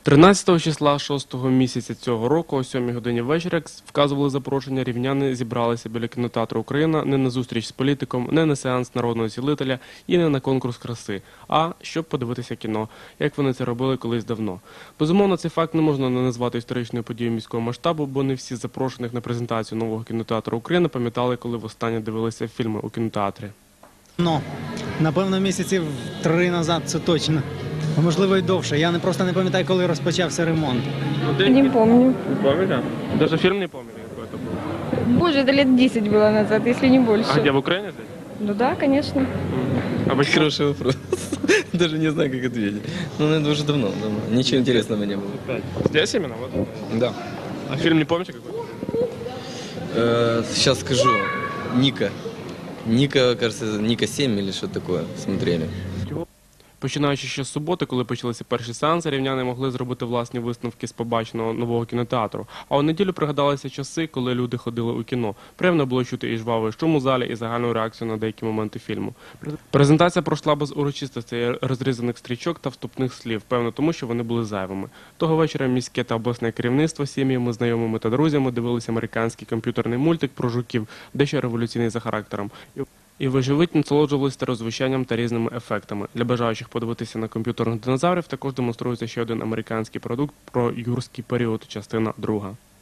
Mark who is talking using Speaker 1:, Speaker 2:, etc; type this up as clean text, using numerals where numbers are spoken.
Speaker 1: 13 числа 6-го місяця цього року о 7 годині вечора, як вказували запрошення, рівняни зібралися біля кінотеатру «Україна» не на зустріч з політиком, не на сеанс народного цілителя і не на конкурс краси, а щоб подивитися кіно, як вони це робили колись давно. Безумовно, цей факт не можна не назвати історичною подією міського масштабу, бо не всі з запрошених на презентацію нового кінотеатру «Україна» пам'ятали, коли востаннє дивилися фільми у кінотеатрі.
Speaker 2: Напевно, місяців 3 назад, це точно. А можливо, і довше. Я просто не пам'ятаю, коли розпочався ремонт.
Speaker 3: Не помню.
Speaker 1: Не помните? Даже фильм не помните, какой это был?
Speaker 3: Боже, это лет 10 было назад, если не больше.
Speaker 1: А где, в Украине здесь?
Speaker 3: Ну да, конечно.
Speaker 1: А почему?
Speaker 4: Хороший вопрос. Даже не знаю, как ответить. Ну, это уже давно. Ничего интересного не было.
Speaker 1: Здесь именно? Вот.
Speaker 4: Да.
Speaker 1: А фильм не помните какой?
Speaker 4: Сейчас скажу. Ника. Ника, кажется, Ника 7 или что такое смотрели.
Speaker 1: Починаючи ще з суботи, коли почалися перші сеанси, рівняни могли зробити власні висновки з побаченого нового кінотеатру. А у неділю пригадалися часи, коли люди ходили у кіно. Приємно було чути і жвавий шум у залі, і загальну реакцію на деякі моменти фільму. Презентація пройшла без урочистостей, розрізаних стрічок та вступних слів, певно тому, що вони були зайвими. Того вечора міське та обласне керівництво сім'ями, знайомими та друзями дивилися американський комп'ютерний мультик про жуків, дещо революційний за характером. І виживуть насолоджувалися старозвучанням та різними ефектами. Для бажаючих подивитися на комп'ютерних динозаврів також демонструється ще один американський продукт про юрський період, частина 2.